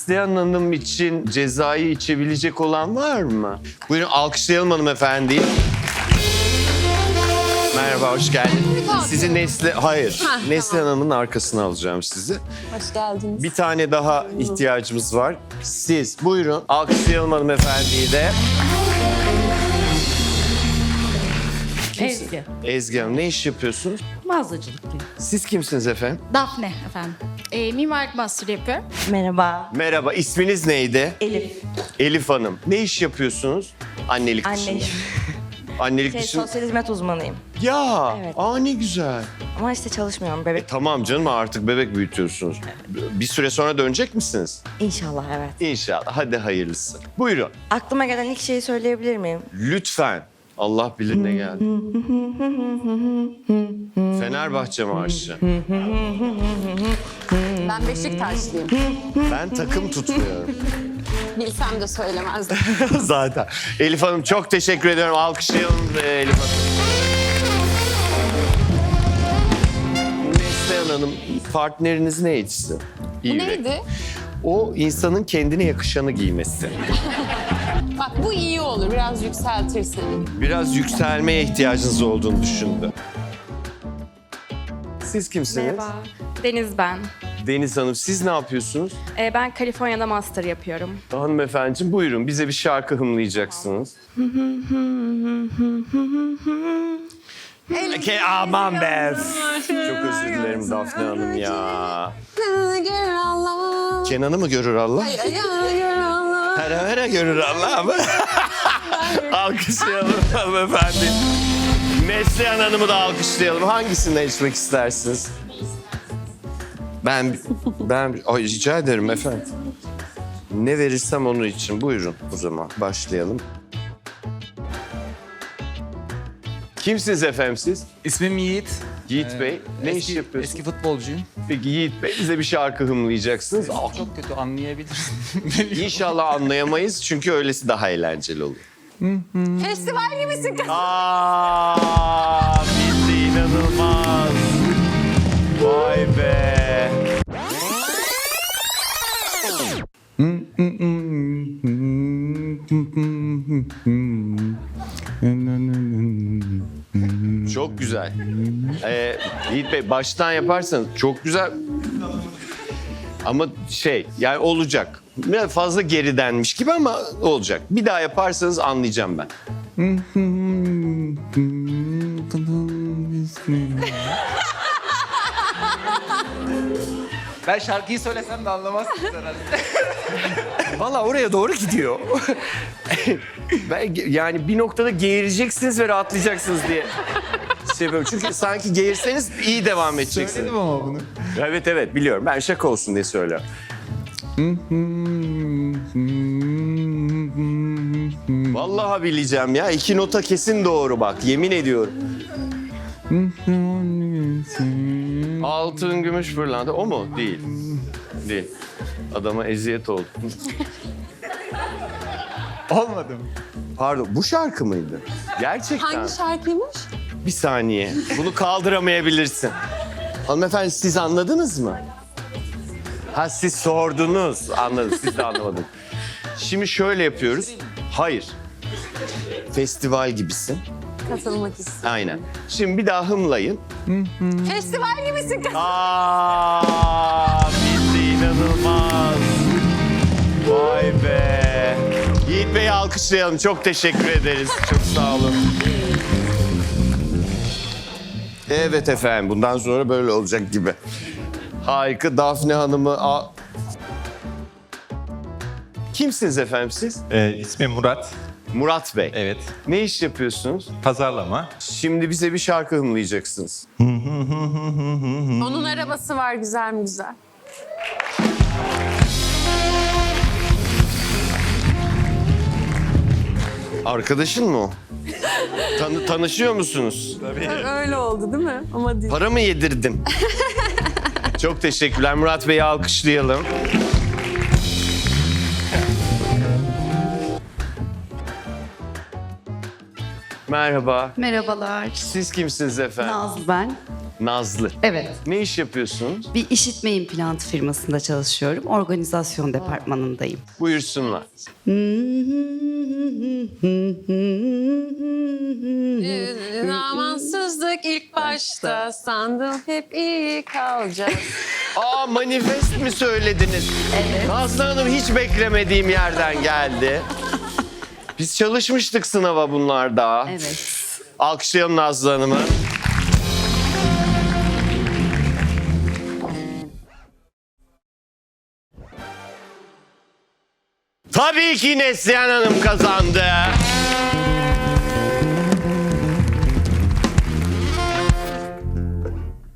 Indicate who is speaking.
Speaker 1: Neslihan Hanım için cezayı içebilecek olan var mı? Buyurun alkışlayalım hanımefendiyi. Merhaba, hoş geldin. Sizi Neslihan Hanım'ın arkasına alacağım sizi.
Speaker 2: Hoş geldiniz.
Speaker 1: Bir tane daha ihtiyacımız var. Siz buyurun alkışlayalım hanımefendiyi de.
Speaker 3: Ezgi.
Speaker 1: Ezgi Hanım, ne iş yapıyorsunuz?
Speaker 3: Mağazacılık gibi.
Speaker 1: Siz kimsiniz efendim?
Speaker 4: Dafne efendim. Mimarlık master yapıyorum.
Speaker 5: Merhaba.
Speaker 1: Merhaba, isminiz neydi?
Speaker 5: Elif.
Speaker 1: Elif Hanım. Ne iş yapıyorsunuz? Annelik dışında.
Speaker 5: Anne.
Speaker 1: Annelik dışında.
Speaker 5: Sosyal hizmet uzmanıyım.
Speaker 1: Ya,
Speaker 5: Evet.
Speaker 1: ne güzel.
Speaker 5: Ama işte çalışmıyorum bebek.
Speaker 1: Tamam canım, artık bebek büyütüyorsunuz. Bir süre sonra dönecek misiniz?
Speaker 5: İnşallah evet.
Speaker 1: İnşallah. Hadi hayırlısı. Buyurun.
Speaker 5: Aklıma gelen ilk şeyi söyleyebilir miyim?
Speaker 1: Lütfen. Allah bilir ne geldi. Fenerbahçe marşı.
Speaker 2: Ben Beşiktaşlıyım.
Speaker 1: Ben takım tutmuyorum.
Speaker 2: Bilsem de söylemezdim.
Speaker 1: Zaten. Elif Hanım çok teşekkür ediyorum. Alkışlayalım Elif Hanım. Neslihan Hanım, partneriniz neydi sizin? İyi yürek.
Speaker 2: Neydi?
Speaker 1: O insanın kendine yakışanı giymesi.
Speaker 2: Bak bu iyi olur. Biraz yükseltirsin.
Speaker 1: Biraz yükselmeye ihtiyacınız olduğunu düşündü. Siz kimsiniz?
Speaker 6: Merhaba, Deniz ben.
Speaker 1: Deniz Hanım, siz ne yapıyorsunuz?
Speaker 6: Ben Kaliforniya'da master yapıyorum.
Speaker 1: Hanımefendiciğim buyurun, bize bir şarkı hımlayacaksınız. Aman be! Çok özür dilerim Dafne Hanım ya.
Speaker 2: Gör Allah.
Speaker 1: Kenan'ı mı görür Allah?
Speaker 2: Gör Allah.
Speaker 1: Her görür Allah mı? Alkışlayalım hanımefendi. Neslihan Hanım'ı da alkışlayalım. Hangisinden içmek istersiniz? Ben rica ederim efendim. Ne verirsem onun için. Buyurun o zaman başlayalım. Kimsiniz efendim siz?
Speaker 7: İsmim Yiğit.
Speaker 1: Yiğit Bey. Ne iş yapıyorsunuz?
Speaker 7: Eski futbolcuyum.
Speaker 1: Peki Yiğit Bey bize bir şarkı hımlayacaksınız.
Speaker 7: Çok kötü anlayabilirsin.
Speaker 1: İnşallah anlayamayız çünkü öylesi daha eğlenceli olur.
Speaker 2: Festival gibisin kız.
Speaker 1: Bildi inanılmaz. Vay be. Çok güzel. Yiğit Bey baştan yaparsanız çok güzel. Ama yani olacak. Biraz fazla geridenmiş gibi ama olacak. Bir daha yaparsanız anlayacağım ben.
Speaker 7: Ben şarkıyı söylesem de anlamazsın herhalde.
Speaker 1: Valla oraya doğru gidiyor. Yani bir noktada geğireceksiniz ve rahatlayacaksınız diye seviyorum. Çünkü sanki geğirseniz iyi devam edeceksiniz.
Speaker 7: Söyledim ama bunu.
Speaker 1: Evet biliyorum. Ben şaka olsun diye söylüyorum. Vallahi bileceğim ya. 2 nota kesin doğru bak. Yemin ediyorum. Altın, gümüş, pırlanta. O mu? Değil. Değil. Adama eziyet oldu.
Speaker 7: Olmadı mı?
Speaker 1: Pardon, bu şarkı mıydı? Gerçekten.
Speaker 2: Hangi şarkıymış?
Speaker 1: Bir saniye. Bunu kaldıramayabilirsin. Hanımefendi siz anladınız mı? Ha siz sordunuz. Anladım. Siz de anlamadınız. Şimdi şöyle yapıyoruz. Hayır. Festival gibisin.
Speaker 2: Katılmak istiyorum.
Speaker 1: Aynen. Şimdi bir daha hımlayın.
Speaker 2: Festival gibisin kız.
Speaker 1: Bildi inanılmaz. Vay be. Yiğit Bey'i alkışlayalım. Çok teşekkür ederiz. Çok sağ olun. Evet efendim. Bundan sonra böyle olacak gibi. Harika. Dafne Hanım'ı... Kimsiniz efendim siz?
Speaker 8: İsmim Murat.
Speaker 1: Murat Bey.
Speaker 8: Evet.
Speaker 1: Ne iş yapıyorsunuz?
Speaker 8: Pazarlama.
Speaker 1: Şimdi bize bir şarkı hımlayacaksınız.
Speaker 2: Onun arabası var güzel mi güzel?
Speaker 1: Arkadaşın mı o? Tanışıyor musunuz?
Speaker 2: Öyle oldu değil mi? Ama değil.
Speaker 1: Para mı yedirdin? Çok teşekkürler. Murat Bey'i alkışlayalım. Merhaba.
Speaker 3: Merhabalar.
Speaker 1: Siz kimsiniz efendim?
Speaker 3: Nazlı ben.
Speaker 1: Nazlı.
Speaker 3: Evet.
Speaker 1: Ne iş yapıyorsunuz?
Speaker 3: Bir işitme implantı firmasında çalışıyorum. Organizasyon departmanındayım.
Speaker 1: Buyursunlar.
Speaker 2: Zamansızlık ilk başta sandım hep iyi kalacağız.
Speaker 1: Aa, manifest mi söylediniz? Evet. Nazlı Hanım hiç beklemediğim yerden geldi. Biz çalışmıştık sınava bunlarda.
Speaker 3: Evet.
Speaker 1: Alkışlayalım Nazlı Hanım'ı. Tabii ki Neslihan Hanım kazandı.